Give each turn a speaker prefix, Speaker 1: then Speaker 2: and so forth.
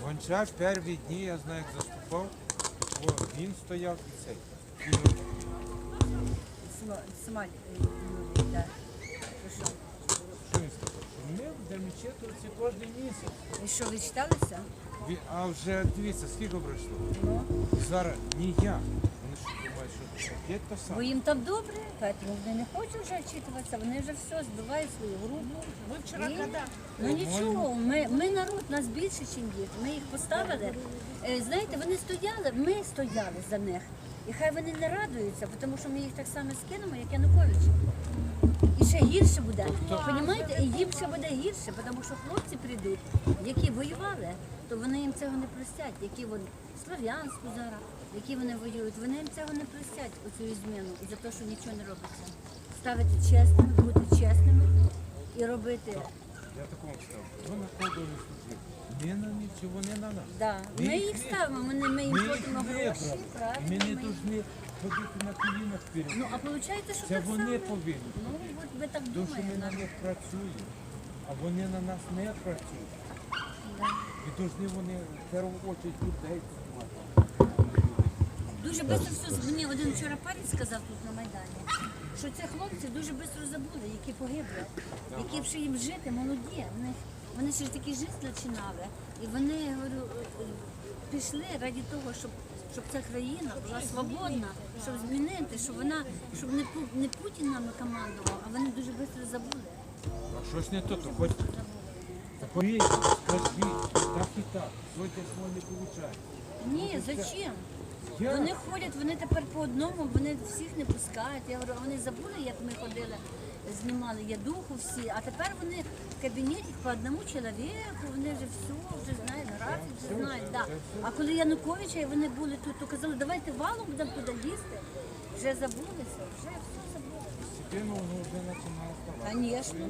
Speaker 1: Гончар перші дні, я знаю, як заступав, він стояв і цей.
Speaker 2: Смаль, да.
Speaker 1: Що він сказав? Що ми будемо читуватися кожен місяць.
Speaker 2: І що, ви читалися?
Speaker 1: А вже дивіться, скільки пройшло.
Speaker 2: Ну.
Speaker 1: Зараз не я. Вони що думають, що є то
Speaker 2: Бо
Speaker 1: саме.
Speaker 2: їм там добре, поэтому вони не хочуть вже вчитуватися, вони вже все, збивають свою групу.
Speaker 3: Вы вчера
Speaker 2: І-
Speaker 3: когда?
Speaker 2: Ну нічого, ми народ, нас більше, ніж діти. Ми їх поставили. Знаєте, вони стояли, ми стояли за них. І хай вони не радуються, тому що ми їх так само скинемо, як Янукович. І ще гірше буде. Понімаєте? І їм ще буде гірше, тому що хлопці прийдуть, які воювали, то вони їм цього не простять, які вони Слов'янську зараз, які вони воюють, вони їм цього не простять, оцю зміну, за те, що нічого не робиться. Ставити чесними, бути чесними і робити.
Speaker 1: Я такому сказав. Ви на кого не служив. Не на них, чи вони на нас.
Speaker 2: Да. Ми їх
Speaker 1: не-
Speaker 2: ставимо, ми їм
Speaker 1: Ми їх
Speaker 2: платимо
Speaker 1: не
Speaker 2: гроші,
Speaker 1: брали.
Speaker 2: правильно.
Speaker 1: Ми не
Speaker 2: ми їх-
Speaker 1: повинні ходити на колінах перед.
Speaker 2: Ну, а виходить, що
Speaker 1: Це
Speaker 2: так
Speaker 1: вони
Speaker 2: само.
Speaker 1: повинні.
Speaker 2: Ну, от ви так
Speaker 1: Тому що ми на
Speaker 2: думаєте.
Speaker 1: них працюємо, а вони на нас не працюють.
Speaker 2: Да.
Speaker 1: І повинні вони в першу чергу людей приймати.
Speaker 2: Дуже швидко все. Мені один вчора парень сказав тут на Майдані, що ці хлопці дуже швидко забули, які погибли, які б ще їм жити, молоді. Вони ще ж такі жити починали. І вони, я говорю, пішли раді того, щоб ця країна була свободна, щоб змінити, щоб не Путін нами командував, а вони дуже швидко забули.
Speaker 1: А щось не то, то хоч повірте, скажіть, так і так, сьогодні свого не виходить.
Speaker 2: Ні, зачем?
Speaker 1: Я-
Speaker 2: Вони ходять, вони тепер по одному, вони всіх не пускають. Я говорю, а вони забули, як ми ходили, знімали ядуху всі, а тепер вони в кабінеті по одному чоловіку, вони вже все, вже знають, графік, вже знають. Да. А коли Януковича і вони були тут, то казали, давайте валом будемо туди лізти. Вже забулися, вже все забули.
Speaker 1: Постепенно воно вже починає ставати.
Speaker 2: Звісно,